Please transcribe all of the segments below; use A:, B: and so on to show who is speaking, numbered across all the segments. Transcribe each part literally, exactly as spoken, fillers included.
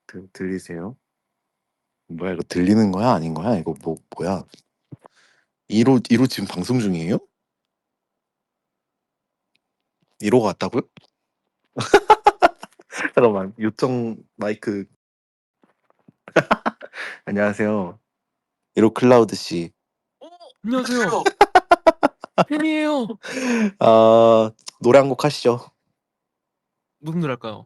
A: 들, 들리세요? 뭐야 이거 들리는 거야 아닌 거야? 이거 뭐 뭐야? 이로 이로 지금 방송 중이에요? 이로가 왔다고요? 잠깐만 요청 마이크. 안녕하세요. 이로 클라우드 씨.
B: 어, 안녕하세요. 팬이에요.
A: 아 노래 한 곡 하시죠.
B: 무슨 노래 할까요?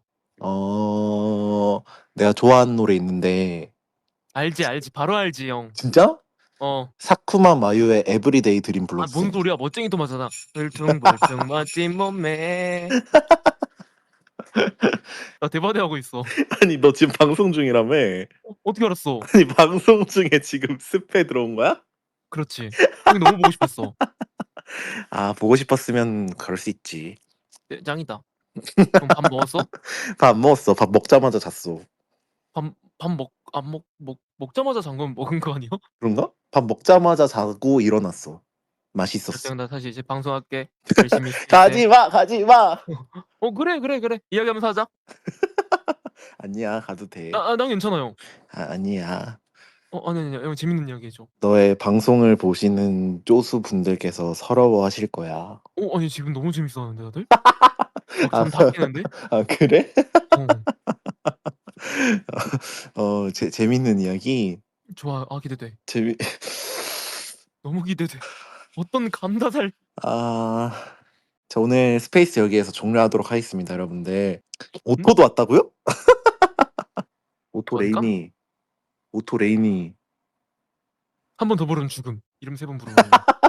A: 어 내가 좋아하는 노래 있는데.
B: 알지 알지 바로 알지 형.
A: 진짜?
B: 어.
A: 사쿠마 마유의 에브리데이 드림
B: 아
A: 불러주세요.
B: 뭔 소리야 멋쟁이 토마잖아. 벌퉁벌퉁 멋진 몸매. 나 대바대 하고 있어.
A: 아니 너 지금 방송 중이라며?
B: 어, 어떻게 알았어?
A: 아니 방송 중에 지금 스페 들어온 거야?
B: 그렇지. 형이 너무 보고 싶었어.
A: 아 보고 싶었으면 그럴 수 있지.
B: 네, 짱이다. 형 밥 먹었어?
A: 밥 안 먹었어. 밥 먹자마자 잤어.
B: 밥 밥 먹 안 먹 먹 먹자마자 잠깐 먹은 거 아니야?
A: 그런가? 밥 먹자마자 자고 일어났어. 맛있었어.
B: 형 나 사실 이제 방송할게. 열심히 있을 때.
A: 가지 마, 가지 마.
B: 어 그래 그래 그래 이야기하면서 하자.
A: 아니야, 가도 돼.
B: 아, 아, 난 괜찮아 형.
A: 아, 아니야.
B: 어 아니 아니 형 재밌는 이야기 해줘.
A: 너의 방송을 보시는 쪼수 분들께서 서러워하실 거야.
B: 어 아니 지금 너무 재밌어하는데 다들?
A: 아,
B: 막잠 다 깨는데?
A: 아 그래?
B: 어.
A: 어, 제, 재밌는 이야기.
B: 좋아. 아 기대돼.
A: 재미.
B: 너무 기대돼. 어떤 감다살.
A: 아, 자 오늘 스페이스 여기에서 종료하도록 하겠습니다, 여러분들.
B: 응?
A: 오토도 왔다고요? 오토
B: 뭔가?
A: 레이니, 오토 레이니.
B: 한 번 더 부르면 죽음. 이름 세 번 부르면.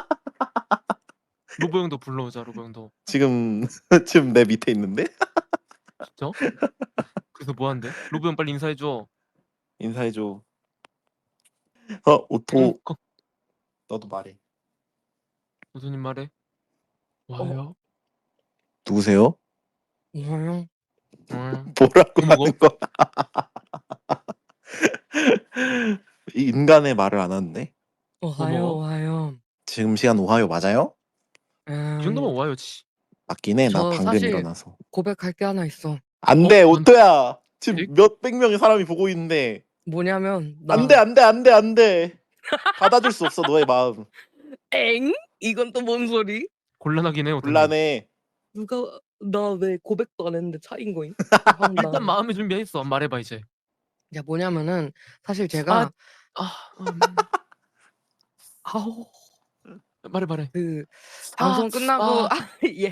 B: 로보 형도 불러오자. 로보 형도.
A: 지금 지금 내 밑에 있는데?
B: 진짜? 그래서 뭐 한대? 로보 형 빨리 인사해 줘.
A: 인사해줘. 어, 오토.
B: 응. 거,
A: 너도 말해.
B: 교수님 말해. 와요.
A: 누구세요?
B: 와요. 와요.
A: 뭐라고
B: 뭐 먹어?
A: 하는 거야? 이 인간의 말을 안 하는데?
C: 오하요
B: 먹어?
C: 오하요.
A: 지금 시간 오하요 맞아요?
B: 이 정도면
C: 음,
B: 와요지.
A: 맞긴 해. 나
C: 저
A: 방금
C: 사실
A: 일어나서.
C: 고백할 게 하나 있어.
A: 안
B: 어?
A: 돼,
B: 뭔?
A: 오토야. 지금
B: 네?
A: 몇백 명의 사람이 보고 있는데.
C: 뭐냐면
A: 안 돼,
C: 나
A: 안 돼, 안 돼, 안 돼. 받아줄 수 없어, 너의 마음.
C: 엥? 이건 또 뭔 소리?
B: 곤란하긴 해. 오타님.
A: 곤란해.
C: 누가 나 왜 고백도 안 했는데 차인 거임?
B: 일단
C: 황당.
B: 마음의 준비했어. 말해봐 이제.
C: 야 뭐냐면은 사실
B: 아,
C: 제가
B: 아, 음. 아우. 말해 말해.
C: 그
B: 아,
C: 방송 끝나고
B: 아.
C: 아, 예.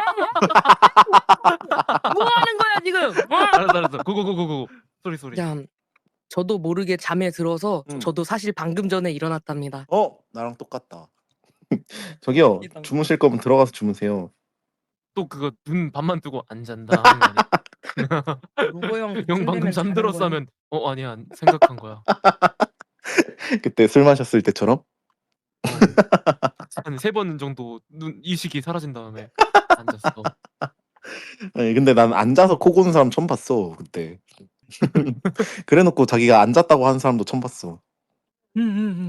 C: 뭐 하는 거야 지금? 어?
B: 알았어 알았어. 고고고고고. 소리 소리.
C: 야 저도 모르게 잠에 들어서
A: 응.
C: 저도 사실 방금 전에 일어났답니다.
A: 어, 나랑 똑같다. 저기요,
C: 이상.
A: 주무실 거면 들어가서 주무세요.
B: 또 그거 눈 반만 뜨고 안 잔다 하는 거 아니야?
C: 로보 형
B: 형
C: 술
B: 방금
C: 되면 자는
B: 잠들었어
C: 거야.
B: 하면 어 아니야 안- 생각한 거야.
A: 그때 술 마셨을 때처럼?
B: 어. 한 세 번 정도 눈 이식이 사라진 다음에 앉았어.
A: 아니, 근데 난 앉아서 코 고는 사람 처음 봤어, 그때. 그래놓고 자기가 앉았다고 하는 사람도 처음 봤어.
C: 응응응.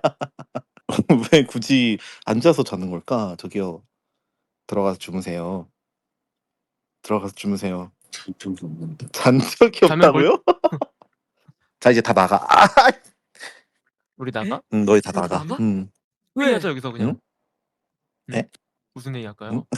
A: 왜 굳이 앉아서 자는 걸까? 저기요, 들어가서 주무세요. 들어가서 주무세요. 잔 적이 없는데. 잔 적이
B: 자면 뭘-
A: 없다고요? 자 이제 다 나가. 아,
B: 우리 나가?
A: 응, 너희 다
C: 우리
A: 나가.
C: 나가?
A: 응.
C: 왜?
B: 회의하자 여기서 그냥.
A: 응?
B: 응?
A: 에?
B: 무슨 회의 할까요?
A: 응?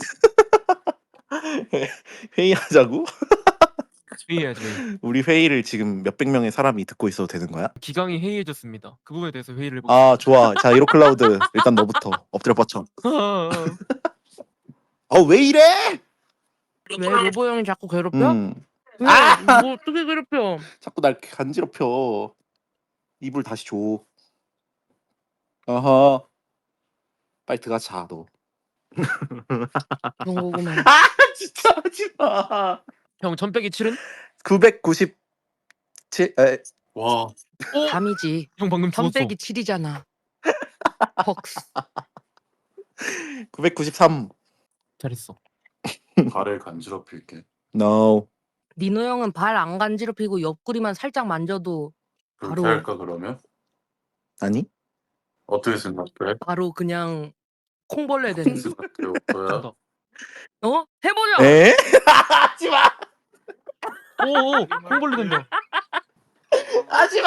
A: 회의하자고?
B: 회의해야지. 회의.
A: 우리 회의를 지금 몇백 명의 사람이 듣고 있어도 되는 거야?
B: 기강이 회의해줬습니다. 그 부분에 대해서 회의를 해보겠습니다.
A: 아 좋아. 자 이로 클라우드 일단 너부터 엎드려 뻗쳐.
B: 아,
A: 아 왜 이래?
C: 왜 로보 형이 자꾸 괴롭혀?
A: 음.
C: 왜?
A: 아!
C: 뭐 어떻게 괴롭혀?
A: 자꾸 날 간지럽혀. 이불 다시 줘. 어허. 빨리 들어가 자 너.
C: 그런 거구만.
A: 아 진짜 하지 마.
B: 형 천 빼기 칠은?
A: 구백구십칠. 에.
D: 와,
B: 어?
C: 삼이지.
B: 형 방금
C: 삼
B: 죽었어.
C: 빼기 칠이잖아. 퍽스.
A: 구백구십삼.
B: 잘했어.
D: 발을 간지럽힐게.
A: No.
C: 니노 형은 발 안 간지럽히고 옆구리만 살짝 만져도
D: 그렇게
C: 바로-
D: 할까 그러면?
A: 아니?
D: 어떻게 생각해?
C: 바로 그냥 콩벌레 되는.
D: 생각해 오빠야?
B: 간다.
C: 어? 해보자.
A: 에? 하지 마.
B: 오오 콩벌레 된다.
A: 하지마.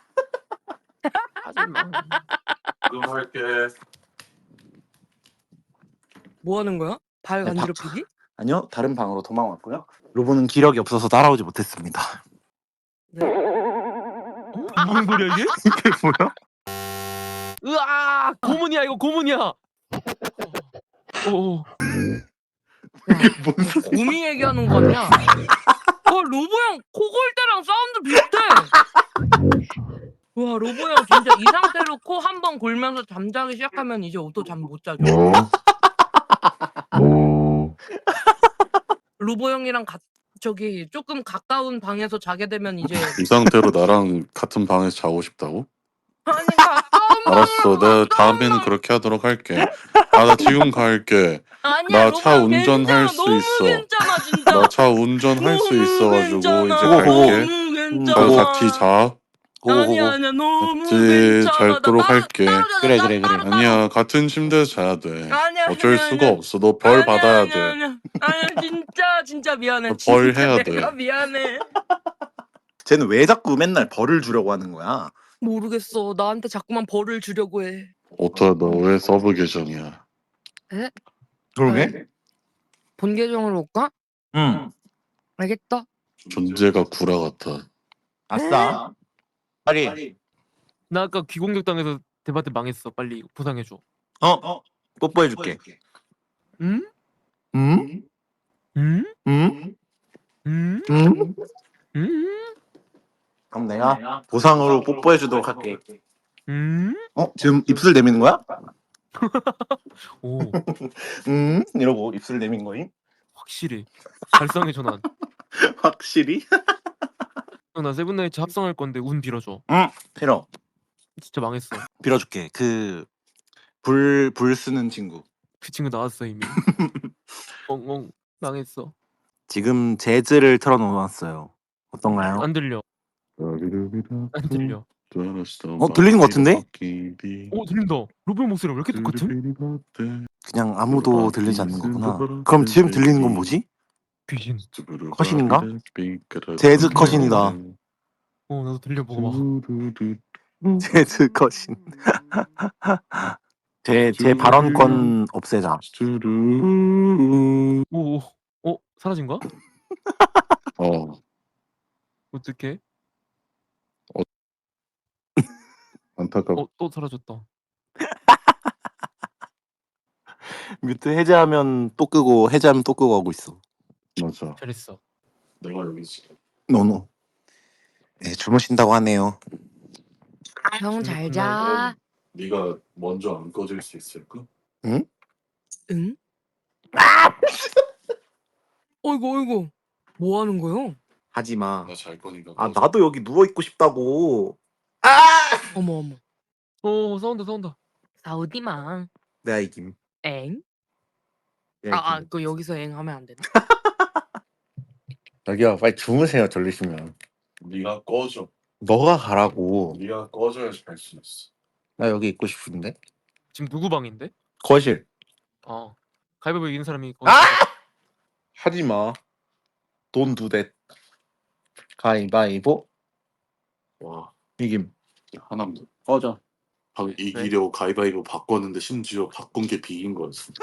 B: 하지마.
D: 그럼 할게.
C: 뭐 하는 거야? 발
A: 네,
C: 간지럽히기?
A: 아니요, 다른 방으로 도망왔고요. 로보는 기력이 없어서 따라오지 못했습니다.
C: 네.
B: 무슨 소리야 이게?
A: 이게 뭐야?
B: 으아 고문이야 이거 고문이야. 오.
C: 야,
A: 뭔 소리?
C: 곰이 얘기하는 거 같냐? 어 로보 형 코골 때랑 사운드 비슷해. 와 로보 형 진짜 이 상태로 코 한 번 골면서 잠자기 시작하면 이제 또 잠 못 자죠.
D: 뭐? 뭐?
C: 로보 형이랑 가, 저기 조금 가까운 방에서 자게 되면 이제
D: 이 상태로 나랑 같은 방에서 자고 싶다고?
C: 아니 가까운
D: 알았어.
C: 방으로
D: 내가 다음에는 그렇게 하도록 할게. 아, 나 지금 갈게.
C: 아니야
D: 나
C: 로보
D: 차
C: 형
D: 운전할
C: 괜찮아.
D: 수
C: 너무
D: 있어.
C: 괜찮아 진짜.
D: 나 차 운전할 수
C: 너무
D: 있어가지고
C: 괜찮아.
D: 이제
A: 고고.
D: 갈게.
C: 너무
A: 음,
C: 괜찮아.
D: 가서 같이 자.
C: 아니야 아니야 너무
D: 같이
C: 괜찮아.
D: 잘도록
C: 나 따로-
D: 할게.
C: 따로 자자,
A: 그래,
C: 따로,
A: 그래, 그래.
C: 따로, 따로.
D: 아니야, 같은 침대에서 자야 돼.
C: 아니야,
D: 어쩔
C: 아니야,
D: 수가
C: 아니야.
D: 없어. 너 벌
C: 아니야,
D: 받아야
C: 아니야,
D: 돼.
C: 아니야. 아니야 진짜 진짜 미안해.
D: 너 벌
C: 진짜
D: 해야
C: 내가
D: 돼.
C: 미안해.
A: 쟤는 왜 자꾸 맨날 벌을 주려고 하는 거야?
C: 모르겠어. 나한테 자꾸만 벌을 주려고 해.
D: 오타, 너 왜 서브 계정이야?
A: 그러게?
C: 본 계정으로 올까?
A: 응.
C: 알겠다.
D: 존재가 구라 같아.
A: 아싸. 빨리.
B: 나 아까 귀공격 당해서 대바트 망했어. 빨리 보상해줘.
A: 어, 뽀뽀해줄게.
B: 응?
A: 응?
B: 응?
A: 응?
B: 응?
A: 응?
B: 응?
A: 그럼 내가 보상으로 뽀뽀해주도록 할게.
B: 응?
A: 어? 지금 입술 내미는 거야?
B: 오
A: 응? 이러고 입술 내민 거임?
B: 확실히 발상의 전환.
A: 확실히?
B: 형, 나 세븐나이츠 합성할 건데 운 빌어줘.
A: 응. 필요.
B: 진짜 망했어.
A: 빌어줄게. 그 불, 불 쓰는 친구.
B: 그 친구 나왔어 이미. 엉엉 망했어.
A: 지금 재즈를 틀어놓았어요. 어떤가요?
B: 안 들려. 안 들려.
A: 어, 들리는 것 같은데?
B: 오 들린다. 로봇 목소리 왜 이렇게 똑같음?
A: 그냥 아무도 들리지 않는 거구나. 그럼 지금 들리는 건 뭐지?
B: 귀신.
A: 컷인가? 재즈 컷인이다.
B: 어 나도 들려보고 막.
A: 재즈 컷인. 제, 제 발언권 없애자.
B: 오, 오, 어 사라진 거야?
D: 어,
B: 어떡해?
D: 안타깝.
B: 어 또 사라졌다.
A: 뮤트 해제하면 또 끄고 해제하면 또 끄고 하고 있어.
D: 맞아.
B: 잘했어.
D: 내가 여기 있어.
A: 노노. 네, 주무신다고 하네요.
C: 형 잘 자.
D: 네가 먼저 안 꺼질 수 있을까?
C: 응? 어이구 어이구. 뭐 하는 거요?
A: 하지 마.
D: 나 잘 거니까.
A: 아,
D: 꺼져.
A: 나도 여기 누워 있고 싶다고.
C: 어머 어머.
B: 오 싸운다 싸운다.
C: 사우디망.
A: 내가 이김.
C: 엥?
A: 내가
C: 아, 아,
A: 이김.
C: 그 여기서 엥 하면 안 되나?
A: 자기야, 빨리 주무세요. 졸리시면.
D: 네가 꺼져.
A: 너가 가라고.
D: 네가 꺼져야지 갈 수 있어.
A: 나 여기 있고 싶은데.
B: 지금 누구 방인데?
A: 거실.
B: 아 가위바위보 이긴 사람이 거기.
A: 아! 하지 마. 돈 두 대. 가위바위보.
D: 와,
A: 이김.
D: 하나도.
A: 꺼져.
D: 방 이기려고 가위바위보 바꿨는데 심지어 바꾼 게 비긴 거였어.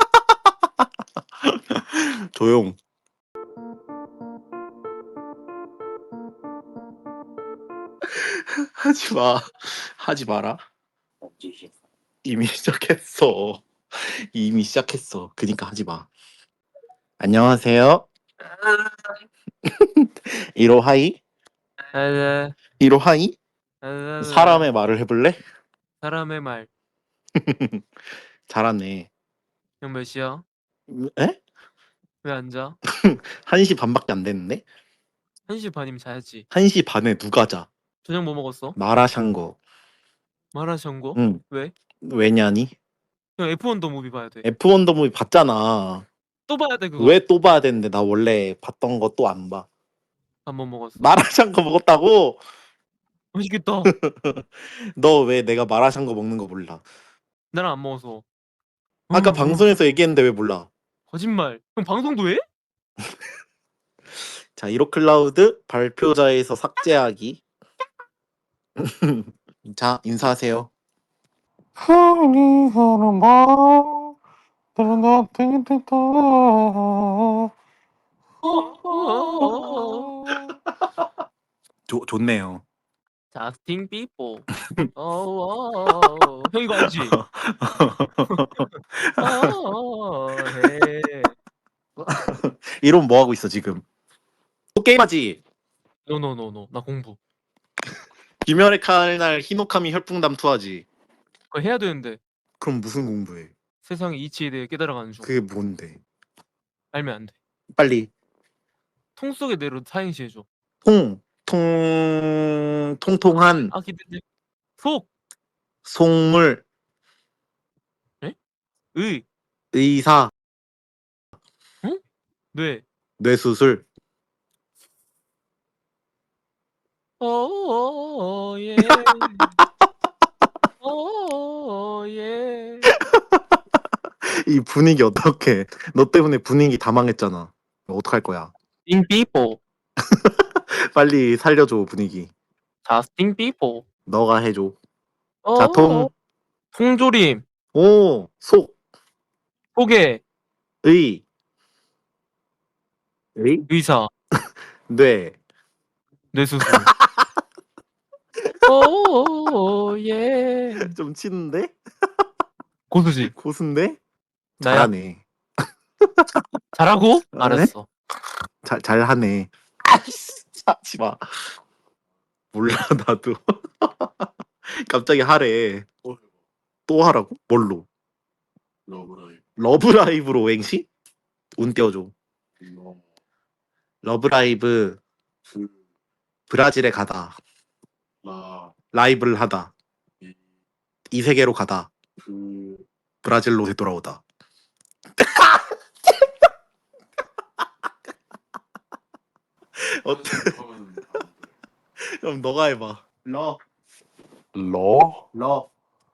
A: 조용. 하지 마. 하지 마라.
D: 어쩌지?
A: 이미 시작했어. 이미 시작했어. 그니까 하지 마. 안녕하세요. 이로하이?
B: 에,
A: 이로하이?
B: 에,
A: 사람의 말을 해볼래?
B: 사람의 말.
A: 잘하네.
B: 형 몇 시야?
A: 에?
B: 왜 안 자?
A: 한 시 반밖에 안 됐는데?
B: 한 시 반이면 자야지.
A: 한 시 반에 누가 자?
B: 저녁 뭐 먹었어?
A: 마라샹궈.
B: 마라샹궈?
A: 응.
B: 왜?
A: 왜냐니?
B: 형 에프원 더 무비 봐야 돼.
A: 에프원 더 무비 봤잖아.
B: 또 봐야 돼 그거.
A: 왜 또 봐야 되는데 나 원래 봤던 거 또 안 봐.
B: 한 번 먹었어.
A: 마라샹궈 먹었다고?
B: 맛있겠다.
A: 너 왜 내가 마라샹궈 먹는 거 몰라?
B: 나랑 안 먹어서.
A: 아까
B: 음,
A: 방송에서 얘기했는데 왜 몰라?
B: 거짓말. 형 방송도 해?
A: 자, 이로클라우드 발표자에서 삭제하기. 자, 인사하세요. 좋 좋네요.
B: 자스틴 비버. 어어. 형 이거 알지? 어어. 해.
A: 이러면 뭐 하고 있어 지금? 또 게임하지?
B: 노노노노. 나 공부.
A: 김열의 칼날 히노카미 혈풍담 투하지.
B: 그거 해야 되는데
A: 그럼 무슨 공부해?
B: 세상의 이치에 대해 깨달아가는 중.
A: 그게 뭔데?
B: 알면 안 돼.
A: 빨리
B: 통 속의 내로 사행시 해줘.
A: 통, 통, 통통한
B: 아 기대돼. 속.
A: 속물
B: 의.
A: 의사
B: 뇌.
A: 뇌수술
B: 어어 예. 어어 예.
A: 이 분위기 어떡해? 너 때문에 분위기 다 망했잖아. 어떡할 거야?
B: 인 비버.
A: 빨리 살려줘 분위기.
B: 자스틴 비버.
A: 너가 해줘.
B: 어.
A: 자통
B: 통조림.
A: 오 속
B: 소개.
A: 의 의?
B: 의사.
A: 뇌
B: 뇌수술. 오 예.
A: 좀 치는데?
B: 고수지.
A: 고수인데?
B: 나야.
A: 잘하네.
B: 잘하고?
A: 네?
B: 알았어.
A: 잘 잘하네. 아이씨, 하지 마. 몰라 나도. 갑자기 하래.
D: 또 해봐.
A: 또 하라고? 뭘로?
D: 러브라이브.
A: 러브라이브로 오행시? 운 띄워줘.
D: 너,
A: 러브라이브
D: 그,
A: 브라질에 가다.
D: 나,
A: 라이브를 하다.
D: 이,
A: 이 세계로 가다.
D: 그,
A: 브라질로 되돌아오다. 어때?
D: 하면
A: 그럼 너가 해봐. 러,
D: 러,
A: 러,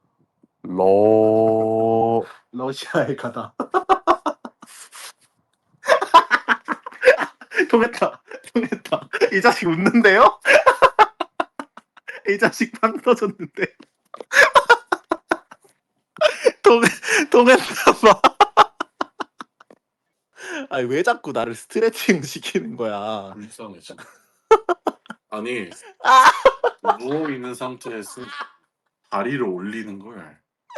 D: 러,
A: 러시아에 가다. 통했다. 통했다. 이 자식 웃는데요? 이 자식 빵 터졌는데. 통, 통했나 봐. 아니, 왜 자꾸 나를 스트레칭 시키는 거야?
D: 불쌍해 진짜. 아니
A: 아!
D: 누워 있는 상태에서 다리를 올리는 걸.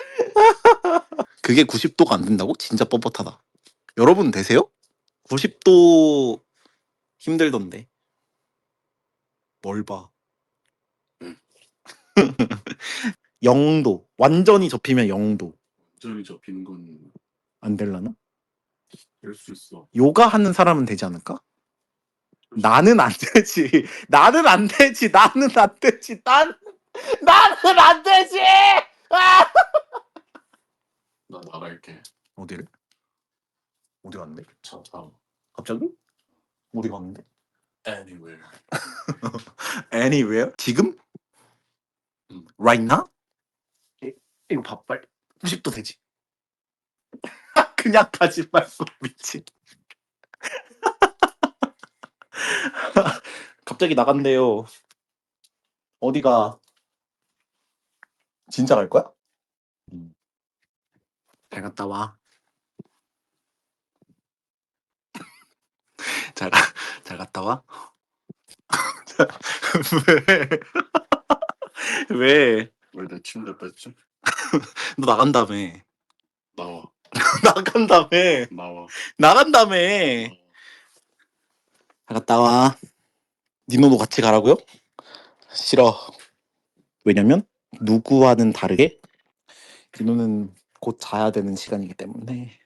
A: 그게 구십 도가 안 된다고? 진짜 뻣뻣하다. 여러분 되세요? 구십 도 힘들던데. 뭘 봐.
D: 응.
A: 영 도. 완전히 접히면 영 도.
D: 완전히 접히는 건
A: 안 될라나?
D: 될 수 있어.
A: 요가 하는 사람은 되지 않을까? 나는 안 되지. 나는 안 되지. 나는 안 되지. 난 나는 안 되지. 아!
D: 나 나갈게.
A: 어디를? 어디 갔는데?
D: 차 타고.
A: 갑자기? 어디 갔는데?
D: Anywhere.
A: Anywhere? 지금?
D: 응.
A: Right now? 이- 이거 봐 빨리. 구십 도 되지. 그냥 가지 말고 미친. 갑자기 나간대요. 어디가? 진짜 갈 거야? 응. 잘 갔다 와. 잘, 가- 잘 갔다 와. 왜? 왜?
D: 왜 내 침대 뺐지?
A: 너 나간다며.
D: 나와.
A: 나간다며.
D: 나와.
A: 나간다며.
D: 나와.
A: 잘 갔다 와. 니노도 같이 가라고요? 싫어. 왜냐면 누구와는 다르게 니노는 곧 자야 되는 시간이기 때문에.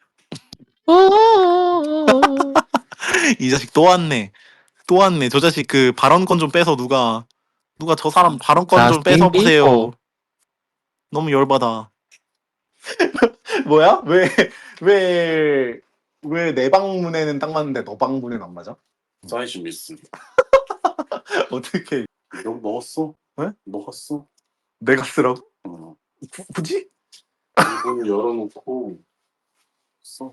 A: 이 자식 또 왔네. 또 왔네. 저 자식 그 발언권 좀 빼서 누가 누가 저 사람 발언권 좀 빼서 보세요. 너무 열받아. 뭐야? 왜 왜 왜 내 방문에는 딱 맞는데 너 방문에는 안 맞아?
D: 사이즈 미스.
A: 어떻게
D: 이거 먹었어?
A: 왜?
D: 먹었어?
A: 내가 쓰라고?
D: 어.
A: 구- 굳이?
D: 이걸 열어놓고 써.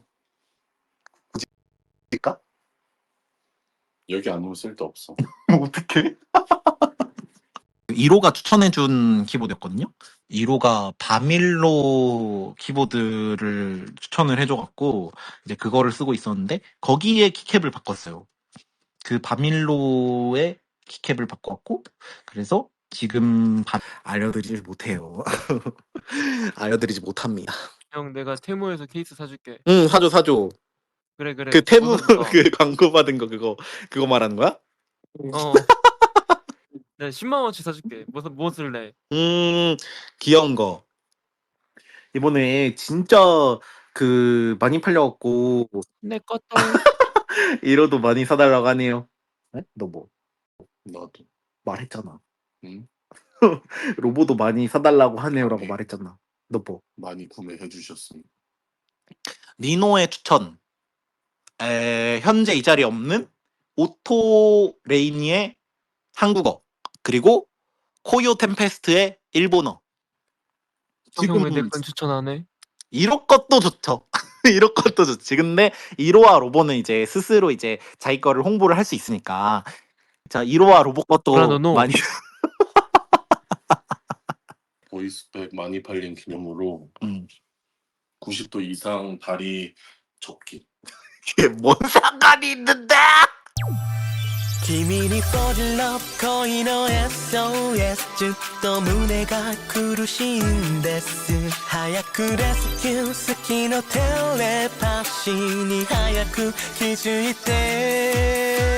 A: 일까?
D: 여기 안 오면 쓸데 없어.
A: 어떻게? 일 호가 추천해준 키보드였거든요. 일 호가 바밀로 키보드를 추천을 해줘갖고 이제 그거를 쓰고 있었는데 거기에 키캡을 바꿨어요. 그 바밀로의 키캡을 바꿨고 그래서 지금 바... 알려드리지 못해요. 알려드리지 못합니다.
B: 형 내가 테무에서 케이스 사줄게.
A: 응 사줘 사줘.
B: 그래 그래.
A: 그 테무
B: 무슨 거?
A: 그 광고 받은 거 그거 그거 말하는 거야?
B: 어. 내가 십만 원치 사줄게. 무슨 뭐 쓸래?
A: 음 귀여운 거. 이번에 진짜 그 많이 팔려갖고
B: 내 것도.
A: 일 호도 많이 사달라고 하네요. 네? 너 뭐
D: 나도.
A: 말했잖아.
D: 응?
A: 로보도 많이 사달라고 하네요라고 말했잖아. 너 뭐?
D: 많이 구매해 주셨습니다.
A: 니노의 추천. 에, 현재 이 자리에 없는 오토 레이니의 한국어 그리고 코요 템페스트의 일본어.
B: 형 왜 내 건 추천 안 해?
A: 일 호 것도 좋죠. 일 호 것도 좋지. 근데 일 호와 로보는 이제 스스로 이제 자기 거를 홍보를 할 수 있으니까. 자, 일 호와 로보 것도
B: 브라더노.
A: 많이
D: 보이스백 많이 팔린 기념으로
A: 음.
D: 구십 도 이상 다리 접기.
A: 이게 뭔 상관이 있는데?
E: 君に fall in love 恋の エスオーエス ずっと胸が苦しいんです早くレスキュー好きのテレパシーに早く気づいて